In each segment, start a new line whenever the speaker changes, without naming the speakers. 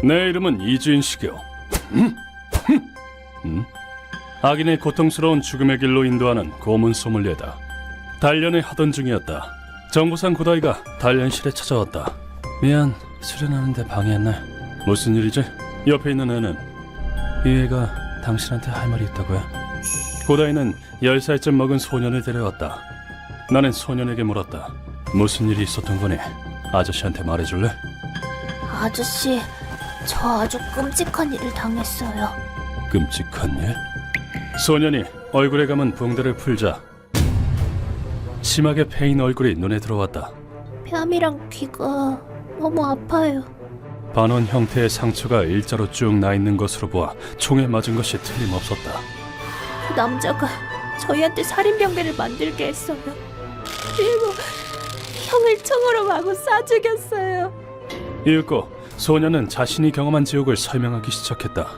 내 이름은 이주인식이요. 악인의 고통스러운 죽음의 길로 인도하는 고문 소믈리에다. 단련을 하던 중이었다. 정부상 고다이가 단련실에 찾아왔다. 미안, 수련하는데 방해했네. 무슨 일이지? 옆에 있는 애는? 이 애가 당신한테 할 말이 있다고요? 고다이는 10살쯤 먹은 소년을 데려왔다. 나는 소년에게 물었다. 무슨 일이 있었던 거니? 아저씨한테 말해줄래?
아저씨, 저 아주 끔찍한 일을 당했어요.
끔찍한 일? 소년이 얼굴에 감은 붕대를 풀자 심하게 패인 얼굴이 눈에 들어왔다.
뺨이랑 귀가 너무 아파요.
반원 형태의 상처가 일자로 쭉 나 있는 것으로 보아 총에 맞은 것이 틀림없었다.
그 남자가 저희한테 살인병대를 만들게 했어요. 그리고 형을 총으로 마구 쏴 죽였어요.
이윽고 소년은 자신이 경험한 지옥을 설명하기 시작했다.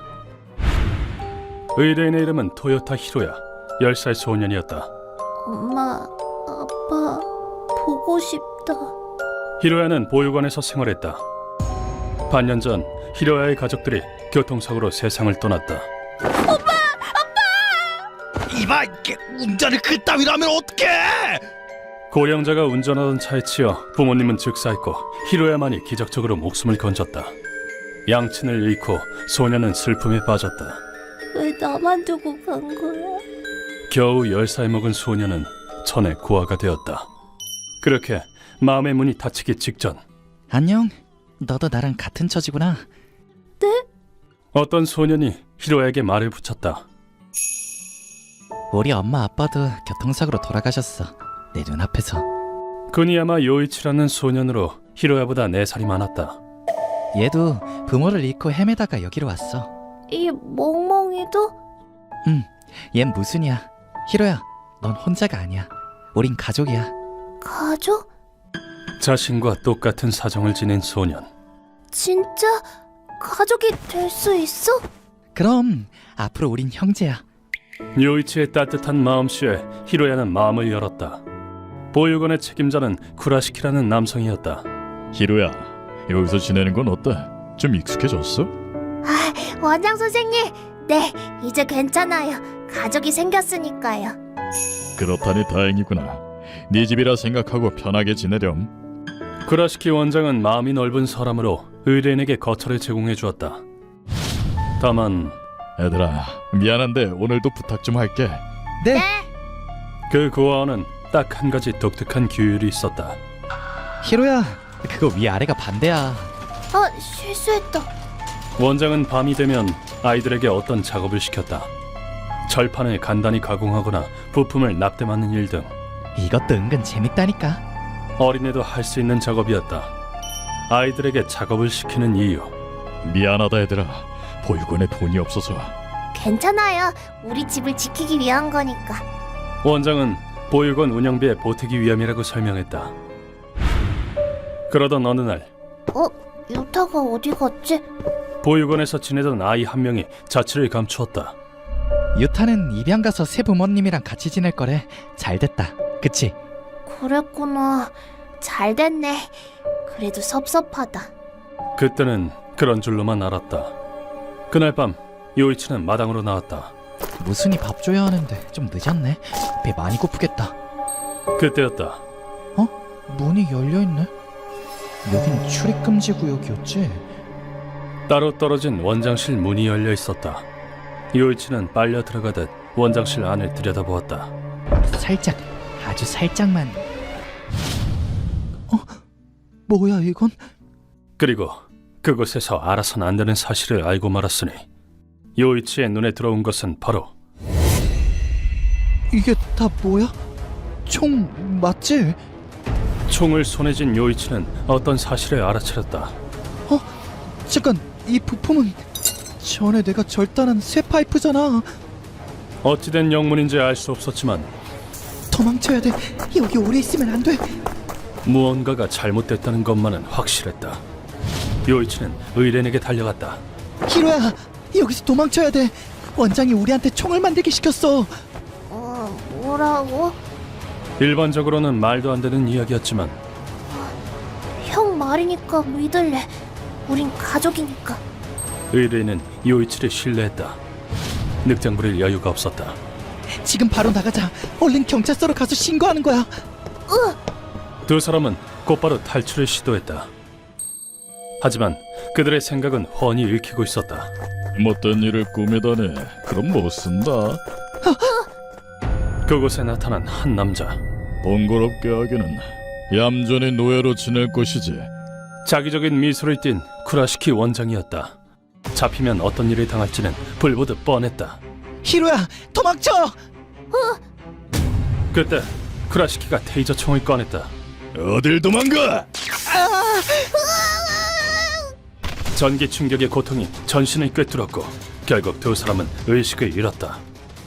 의뢰인의 이름은 토요타 히로야. 10살 소년이었다.
엄마, 아빠, 보고 싶다.
히로야는 보육원에서 생활했다. 반년 전 히로야의 가족들이 교통사고로 세상을 떠났다.
이봐, 운전을 그따위로 하면 어떡해!
고령자가 운전하던 차에 치여 부모님은 즉사했고 히로야만이 기적적으로 목숨을 건졌다. 양친을 잃고 소년은 슬픔에 빠졌다.
왜 나만 두고 간 거야?
겨우 10살 먹은 소년은 천의 고아가 되었다. 그렇게 마음의 문이 닫히기 직전
안녕, 너도 나랑 같은 처지구나.
네?
어떤 소년이 히로야에게 말을 붙였다.
우리 엄마 아빠도 교통사고로 돌아가셨어. 내 눈앞에서.
그니 아마 요이치라는 소년으로 히로야보다 4살이 많았다.
얘도 부모를 잃고 헤매다가 여기로 왔어.
이 멍멍이도?
얜 무슨이야. 히로야, 넌 혼자가 아니야. 우린 가족이야.
가족?
자신과 똑같은 사정을 지닌 소년.
진짜 가족이 될 수 있어?
그럼 앞으로 우린 형제야.
요이치의 따뜻한 마음씨에 히로야는 마음을 열었다. 보육원의 책임자는 쿠라시키라는 남성이었다.
히로야, 여기서 지내는 건 어때? 좀 익숙해졌어?
아, 원장 선생님, 네, 이제 괜찮아요. 가족이 생겼으니까요.
그렇다니 다행이구나. 네 집이라 생각하고 편하게 지내렴.
쿠라시키 원장은 마음이 넓은 사람으로 의뢰인에게 거처를 제공해 주었다. 다만
애들아, 미안한데 오늘도 부탁 좀 할게.
네.
그 고아원은 딱 한 가지 독특한 규율이 있었다.
히로야, 그거 위아래가 반대야.
실수했다.
원장은 밤이 되면 아이들에게 어떤 작업을 시켰다. 철판을 간단히 가공하거나 부품을 납땜하는 일 등
이것도 은근 재밌다니까.
어린애도 할 수 있는 작업이었다. 아이들에게 작업을 시키는 이유.
미안하다 얘들아. 보육원에 돈이 없어서.
괜찮아요. 우리 집을 지키기 위한 거니까.
원장은 보육원 운영비에 보태기 위함이라고 설명했다. 그러던 어느 날
유타가 어디 갔지?
보육원에서 지내던 아이 한 명이 자취를 감추었다.
유타는 입양 가서 새 부모님이랑 같이 지낼 거래. 잘 됐다. 그치?
그랬구나. 잘 됐네. 그래도 섭섭하다.
그때는 그런 줄로만 알았다. 그날 밤 요이치는 마당으로 나왔다.
무슨이 밥 줘야 하는데 좀 늦었네. 배 많이 고프겠다.
그때였다.
문이 열려있네. 여긴 출입금지 구역이었지?
따로 떨어진 원장실 문이 열려 있었다. 요이치는 빨려 들어가듯 원장실 안을 들여다보았다.
살짝, 아주 살짝만. 뭐야 이건?
그리고 그곳에서 알아선 안 되는 사실을 알고 말았으니 요이치의 눈에 들어온 것은 바로
이게 다 뭐야? 총 맞지?
총을 손에 쥔 요이치는 어떤 사실을 알아차렸다.
잠깐, 이 부품은 전에 내가 절단한 쇠 파이프잖아.
어찌된 영문인지 알 수 없었지만
도망쳐야 돼. 여기 오래 있으면 안 돼.
무언가가 잘못됐다는 것만은 확실했다. 요이치는 의뢰인에게 달려갔다.
히로야, 여기서 도망쳐야 돼. 원장이 우리한테 총을 만들게 시켰어.
뭐라고?
일반적으로는 말도 안 되는 이야기였지만
형 말이니까 믿을래. 우린 가족이니까.
의뢰인은 요이치를 신뢰했다. 늑장 부릴 여유가 없었다.
지금 바로 나가자. 얼른 경찰서로 가서 신고하는 거야.
두 사람은 곧바로 탈출을 시도했다. 하지만 그들의 생각은 훤히 읽히고 있었다.
못된 일을 꾸미다니. 그럼 못 쓴다.
그곳에 나타난 한 남자.
번거롭게 하기는 얌전히 노예로 지낼 것이지.
자기적인 미소를 띤 쿠라시키 원장이었다. 잡히면 어떤 일을 당할지는 불보듯 뻔했다.
히로야, 도망쳐!
그때 쿠라시키가 테이저 총을 꺼냈다.
어딜 도망가?
전기 충격의 고통이 전신을 꿰뚫었고 결국 두 사람은 의식을 잃었다.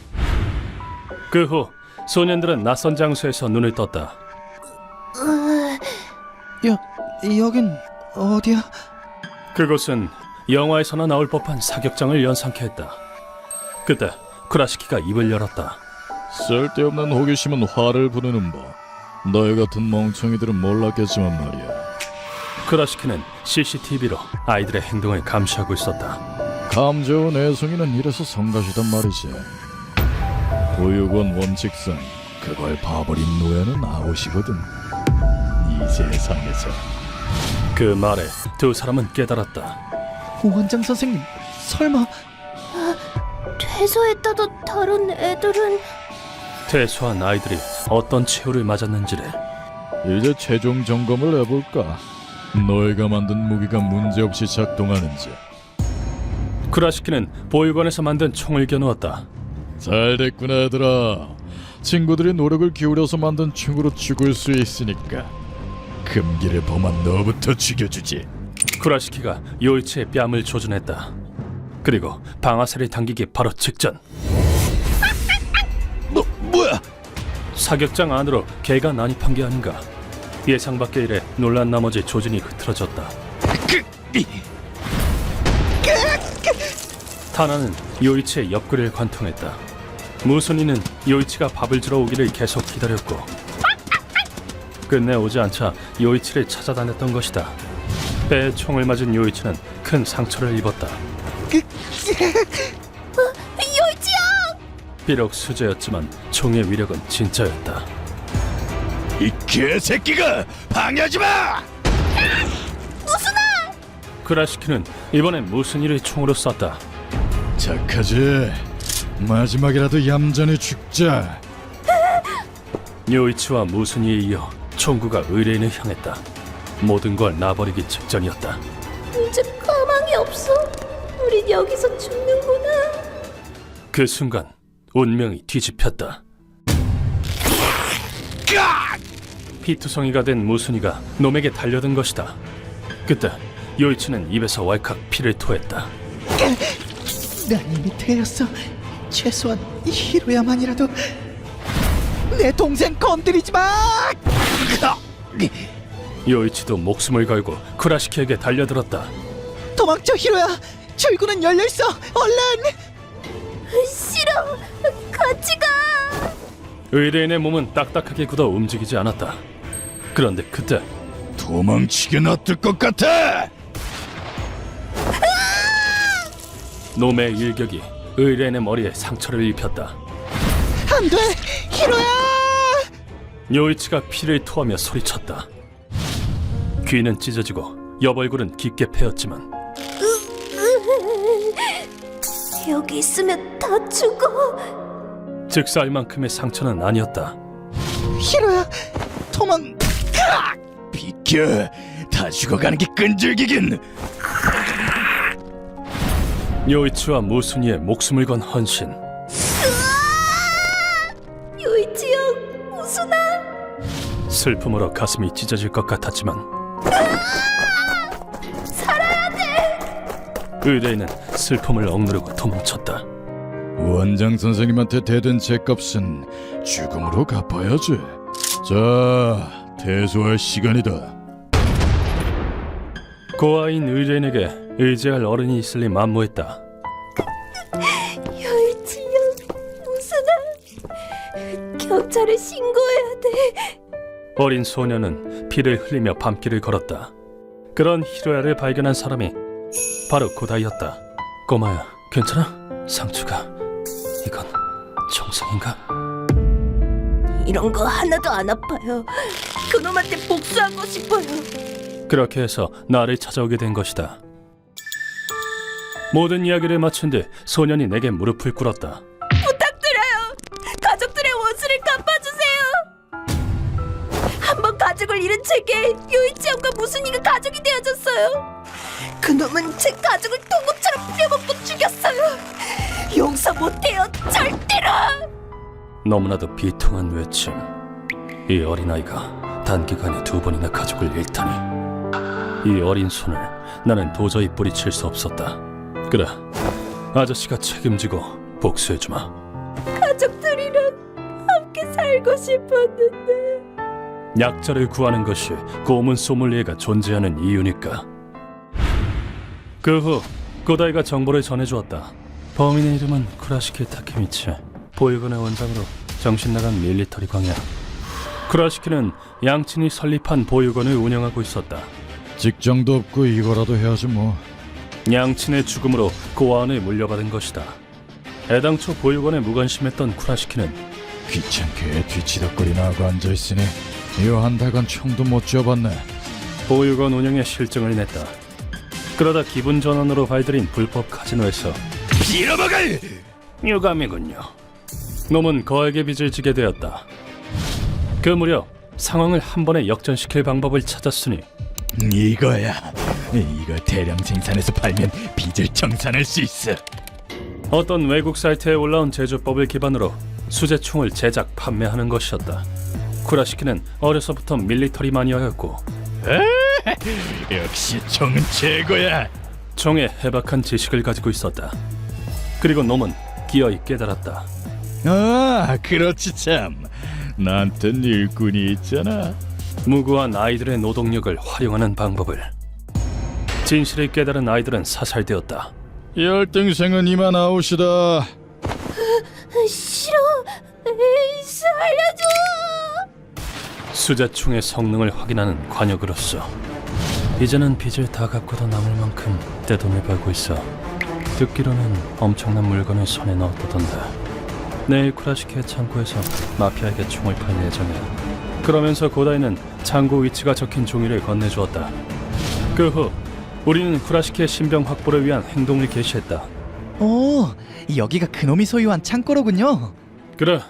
그 후 소년들은 낯선 장소에서 눈을 떴다.
여긴 어디야?
그곳은 영화에서나 나올 법한 사격장을 연상케 했다. 그때 쿠라시키가 입을 열었다.
쓸데없는 호기심은 화를 부르는 법. 너희 같은 멍청이들은 몰랐겠지만 말이야.
쿠라시키는 CCTV로 아이들의 행동을 감시하고 있었다.
감 좋은 애송이는 이래서 성가시단 말이지. 보육원 원칙상 그걸 봐버린 노예는 아웃이거든. 이 세상에서.
그 말에 두 사람은 깨달았다.
원장 선생님, 설마...
퇴소했다도 다른 애들은
퇴소한 아이들이 어떤 최후를 맞았는지를.
이제 최종 점검을 해볼까? 너희가 만든 무기가 문제없이 작동하는지.
쿠라시키는 보육원에서 만든 총을 겨누었다.
잘 됐구나 얘들아. 친구들이 노력을 기울여서 만든 총으로 죽을 수 있으니까 금기를 범한 너부터 죽여주지.
쿠라시키가 요이치의 뺨을 조준했다. 그리고 방아쇠를 당기기 바로 직전
뭐야?
사격장 안으로 개가 난입한 게 아닌가. 예상 밖의 일에 놀란 나머지 조준이 흐트러졌다. 타나는 요이치의 옆구리를 관통했다. 무순이는 요이치가 밥을 주러 오기를 계속 기다렸고 끝내 오지 않자 요이치를 찾아다녔던 것이다. 배에 총을 맞은 요이치는 큰 상처를 입었다.
요이치야!
비록 수제였지만 총의 위력은 진짜였다.
이 개새끼가 방해하지 마!
쿠라시키는 이번엔 무순이를 총으로 쐈다.
착하지. 마지막이라도 얌전히 죽자.
요이치와 무순이에 이어 총구가 의뢰인을 향했다. 모든 걸 놔버리기 직전이었다.
이제 가망이 없어. 우린 여기서 죽는구나.
그 순간 운명이 뒤집혔다. 피투성이가 된 무순이가 놈에게 달려든 것이다. 그때 요이치는 입에서 왈칵 피를 토했다.
난 이미 퇴했어. 최소한 히로야만이라도 내 동생 건드리지 마!
요이치도 목숨을 걸고 쿠라시키에게 달려들었다.
도망쳐, 히로야! 출구는 열려있어! 얼른!
싫어. 같이 가.
의뢰인의 몸은 딱딱하게 굳어 움직이지 않았다. 그런데 그때
도망치게 놔둘 것 같아.
놈의 일격이 의뢰인의 머리에 상처를 입혔다.
안 돼! 히로야!
요이치가 피를 토하며 소리쳤다. 귀는 찢어지고 옆얼굴은 깊게 패였지만
여기 있으면 다 죽어.
즉사할 만큼의 상처는 아니었다.
히로야! 도망...
비켜. 다 죽어가는 게 끈질기긴.
요이치와 무순이의 목숨을 건 헌신.
요이치 형, 무순아.
슬픔으로 가슴이 찢어질 것 같았지만
살아야 돼.
의뢰인은 슬픔을 억누르고 도망쳤다.
원장 선생님한테 대든 죄값은 죽음으로 갚아야지. 자, 퇴소할 시간이다.
고아인 의뢰인에게 의지할 어른이 있을 리 만무했다.
요이치 형, 무순아. 경찰에 신고해야 돼.
어린 소녀는 피를 흘리며 밤길을 걸었다. 그런 히로야를 발견한 사람이 바로 고다이였다. 꼬마야, 괜찮아? 상처가 이건 정상인가?
이런 거 하나도 안 아파요. 그놈한테 복수하고 싶어요.
그렇게 해서 나를 찾아오게 된 것이다. 모든 이야기를 마친 뒤 소년이 내게 무릎을 꿇었다.
부탁드려요. 가족들의 원수를 갚아주세요. 한번 가족을 잃은 제게 요이치형과 무순이가 가족이 되어줬어요. 그놈은 제 가족을 통곡처럼 부려먹고 죽였어요. 용서 못해요. 절대로.
너무나도 비통한 외침. 이 어린아이가 단기간에 2번이나 가족을 잃다니. 이 어린 손을 나는 도저히 뿌리칠 수 없었다. 그래, 아저씨가 책임지고 복수해주마.
가족들이랑 함께 살고 싶었는데.
약자를 구하는 것이 고문 소믈리에가 존재하는 이유니까. 그 후 고다이가 정보를 전해주었다. 범인의 이름은 쿠라시키 타케미치, 보육원의 원장으로 정신나간 밀리터리 광야. 쿠라시키는 양친이 설립한 보육원을 운영하고 있었다.
직장도 없고 이거라도 해야지 뭐.
양친의 죽음으로 고아원을 물려받은 것이다. 애당초 보육원에 무관심했던 쿠라시키는
귀찮게 뒤치덕거리나 하고 앉아있으니 요 한 달간 총도 못 쥐어봤네.
보육원 운영에 실증을 냈다. 그러다 기분 전환으로 발들인 불법 카지노에서
빌어먹을!
유감이군요. 놈은 거액의 빚을 지게 되었다. 그 무렵 상황을 한 번에 역전시킬 방법을 찾았으니
이거야. 이걸 대량 생산해서 팔면 빚을 청산할 수 있어.
어떤 외국 사이트에 올라온 제조법을 기반으로 수제총을 제작, 판매하는 것이었다. 쿠라시키는 어려서부터 밀리터리 마니아였고
역시 총은 최고야.
총에 해박한 지식을 가지고 있었다. 그리고 놈은 기어이 깨달았다.
아, 그렇지 참. 나한텐 일꾼이 있잖아.
무고한 아이들의 노동력을 활용하는 방법을. 진실을 깨달은 아이들은 사살되었다.
열등생은 이만 아웃이다.
싫어. 에이, 살려줘.
수자총의 성능을 확인하는 관역으로서 이제는 빚을 다 갚고도 남을 만큼 떼돈을 벌고 있어. 듣기로는 엄청난 물건을 손에 넣었다던데. 내일 쿠라시키의 창고에서 마피아에게 총을 팔 예정이야. 그러면서 고다이는 창고 위치가 적힌 종이를 건네주었다. 그 후 우리는 쿠라시키의 신병 확보를 위한 행동을 개시했다.
오, 여기가 그놈이 소유한 창고로군요.
그래.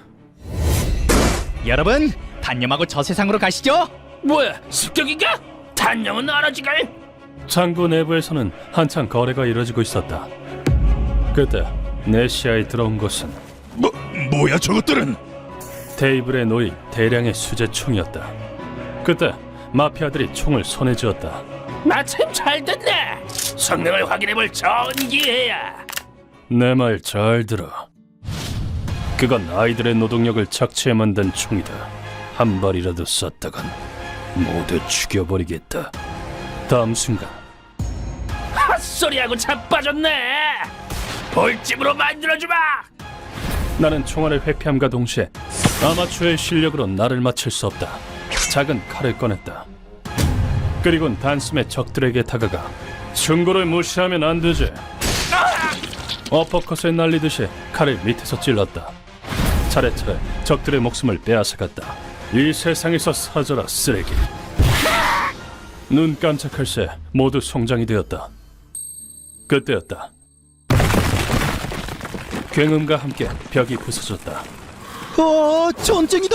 여러분, 단념하고 저 세상으로 가시죠.
뭐야, 습격인가? 단념은 알아지갈. 창고 내부에서는 한창 거래가 이루어지고 있었다. 그때 내 시야에 들어온 것은
뭐야 저것들은?
테이블에 놓인 대량의 수제총이었다. 그때 마피아들이 총을 손에 쥐었다. 마침 잘 됐네. 성능을 확인해볼 좋은 기회야. 내 말 잘 들어. 그건 아이들의 노동력을 착취해 만든 총이다. 한 발이라도 쐈다간 모두 죽여버리겠다. 다음 순간 헛소리하고 자빠졌네. 볼집으로 만들어주마. 나는 총알을 회피함과 동시에 아마추어의 실력으로 나를 맞출 수 없다. 작은 칼을 꺼냈다. 그리곤 단숨에 적들에게 다가가 충고를 무시하면 안 되지. 어퍼컷을 날리듯이 칼을 밑에서 찔렀다. 차례차례 적들의 목숨을 빼앗아갔다. 이 세상에서 사라져라 쓰레기. 눈 깜짝할 새 모두 송장이 되었다. 그때였다. 굉음과 함께 벽이 부서졌다.
전쟁이다.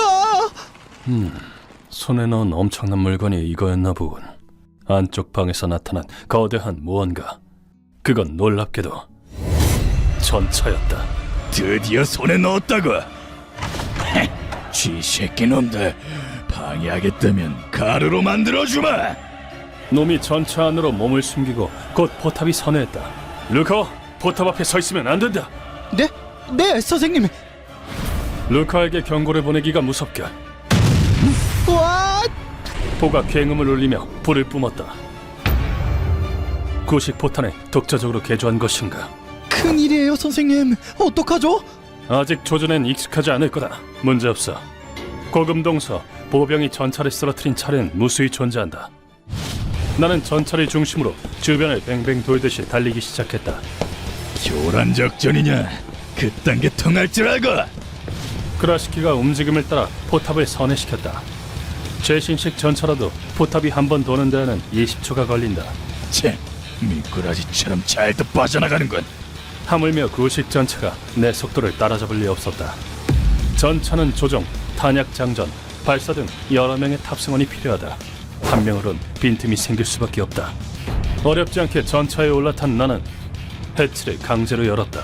손에 넣은 엄청난 물건이 이거였나 보군. 안쪽 방에서 나타난 거대한 무언가. 그건 놀랍게도 전차였다.
드디어 손에 넣었다고. 쥐새끼 놈들, 방해하겠다면 가루로 만들어주마.
놈이 전차 안으로 몸을 숨기고 곧 포탑이 선회했다. 루카, 포탑 앞에 서 있으면 안 된다.
네, 선생님.
루카에게 경고를 보내기가 무섭게.
와,
포가 굉음을 울리며 불을 뿜었다. 구식 포탄에 독자적으로 개조한 것인가?
큰일이에요, 선생님. 어떡하죠?
아직 조준엔 익숙하지 않을 거다. 문제없어. 고금동서 보병이 전차를 쓰러뜨린 차례는 무수히 존재한다. 나는 전차를 중심으로 주변을 뱅뱅 돌듯이 달리기 시작했다.
교란 작전이냐? 그딴 게 통할 줄 알고.
크라시키가 움직임을 따라 포탑을 선회시켰다. 최신식 전차라도 포탑이 한 번 도는 데에는 20초가 걸린다.
참, 미꾸라지처럼 잘도 빠져나가는군.
하물며 구식 전차가 내 속도를 따라잡을 리 없었다. 전차는 조종, 탄약 장전, 발사 등 여러 명의 탑승원이 필요하다. 한 명으론 빈틈이 생길 수밖에 없다. 어렵지 않게 전차에 올라탄 나는 해치를 강제로 열었다.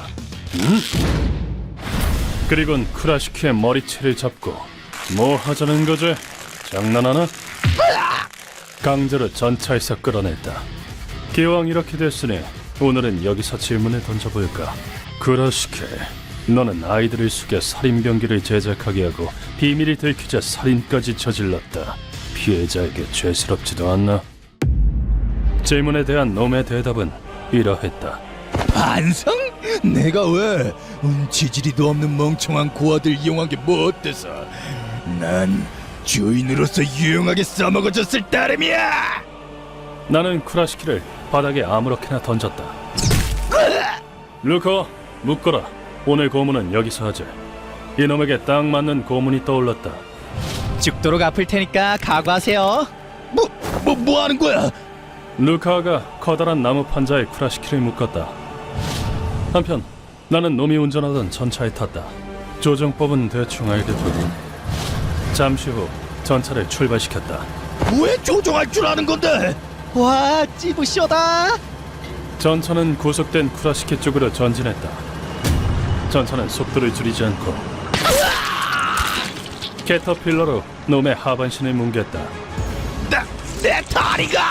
그리곤 쿠라시키의 머리채를 잡고 뭐 하자는 거지? 장난하나? 강제로 전차에서 끌어냈다. 기왕 이렇게 됐으니 오늘은 여기서 질문을 던져볼까? 쿠라시키, 너는 아이들을 속여 살인병기를 제작하게 하고 비밀이 들키자 살인까지 저질렀다. 피해자에게 죄스럽지도 않나? 질문에 대한 놈의 대답은 이러했다.
반성? 내가 왜? 지지리도 없는 멍청한 고아들 이용한 게 뭐 어때서? 난 주인으로서 유용하게 써먹어줬을 따름이야!
나는 쿠라시키를 바닥에 아무렇게나 던졌다. 루커, 묶어라. 오늘 고문은 여기서 하자. 이놈에게 딱 맞는 고문이 떠올랐다.
죽도록 아플 테니까 각오하세요.
뭐 하는 거야?
루카가 커다란 나무 판자에 쿠라시키를 묶었다. 한편 나는 놈이 운전하던 전차에 탔다. 조정법은 대충 알겠거든. 잠시 후 전차를 출발시켰다.
왜 조종할 줄 아는 건데?
와, 찌부쇼다.
전차는 구속된 쿠라시키 쪽으로 전진했다. 전차는 속도를 줄이지 않고 캐터필러로 놈의 하반신을 뭉갰다.
내 다리가!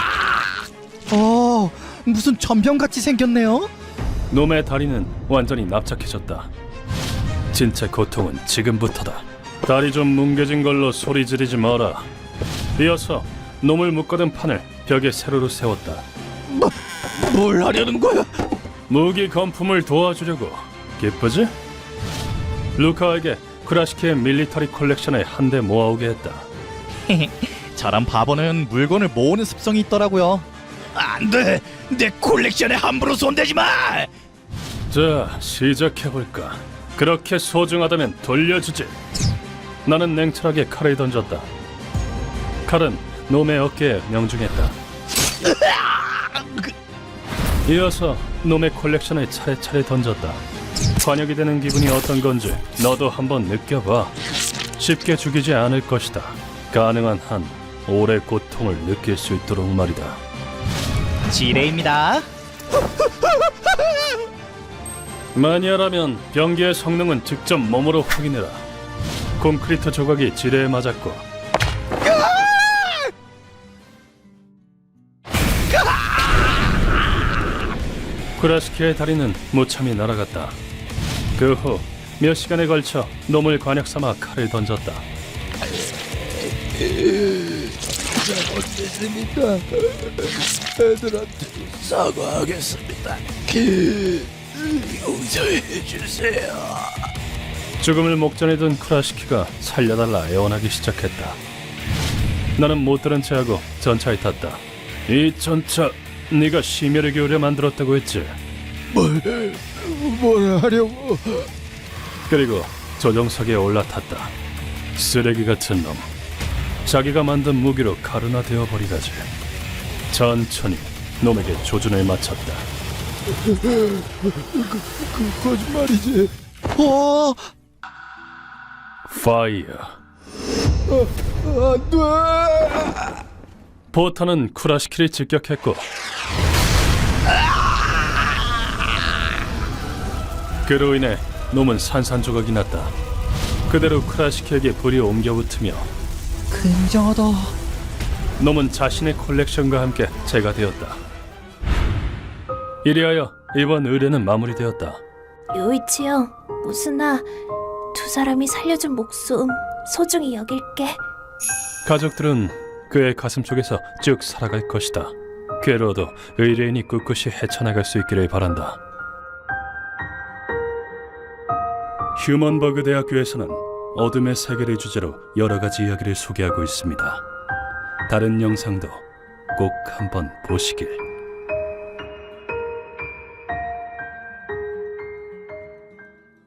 무슨 전병같이 생겼네요.
놈의 다리는 완전히 납작해졌다. 진짜 고통은 지금부터다. 다리 좀 뭉개진 걸로 소리 지르지 마라. 이어서 놈을 묶어둔 판을 벽에 세로로 세웠다.
뭘 하려는 거야?
무기 건품을 도와주려고. 기쁘지? 루카에게 쿠라시키의 밀리터리 컬렉션에 한 대 모아오게 했다.
저런 바보는 물건을 모으는 습성이 있더라고요.
안 돼! 내 콜렉션에 함부로 손대지 마!
자, 시작해볼까. 그렇게 소중하다면 돌려주지. 나는 냉철하게 칼을 던졌다. 칼은 놈의 어깨에 명중했다. 이어서 놈의 콜렉션을 차례차례 던졌다. 관역이 되는 기분이 어떤 건지 너도 한번 느껴봐. 쉽게 죽이지 않을 것이다. 가능한 한 오래 고통을 느낄 수 있도록 말이다.
지레입니다.
마니아라면 병기의 성능은 직접 몸으로 확인해라. 콘크리트 조각이 지뢰에 맞았고 쿠라시키의 다리는 무참히 날아갔다. 그 후 몇 시간에 걸쳐 놈을 관역 삼아 칼을 던졌다.
잘못했습니다. 애들한테 사과하겠습니다. 용서해 주세요.
죽음을 목전에 둔 쿠라시키가 살려달라 애원하기 시작했다. 나는 못 들은 채하고 전차에 탔다. 이 전차 네가 심혈을 기울여 만들었다고 했지?
뭘 하려고?
그리고 조종석에 올라탔다. 쓰레기 같은 놈. 자기가 만든 무기로 가루나되어 버리다지. 천천히 놈에게 조준을 맞췄다.
거짓말이지.
파이어.
안 돼.
포탄은 쿠라시키를 직격했고 그로 인해 놈은 산산조각이 났다. 그대로 쿠라시키에게 불이 옮겨붙으며
굉장하다.
놈은 자신의 콜렉션과 함께 제거되었다. 이리하여 이번 의뢰는 마무리되었다.
요이치 형, 무슨아, 두 사람이 살려준 목숨 소중히 여길게.
가족들은 그의 가슴 속에서 쭉 살아갈 것이다. 괴로워도 의뢰인이 꿋꿋이 헤쳐나갈 수 있기를 바란다. 휴먼버그 대학교에서는 어둠의 세계를 주제로 여러 가지 이야기를 소개하고 있습니다. 다른 영상도 꼭 한번 보시길.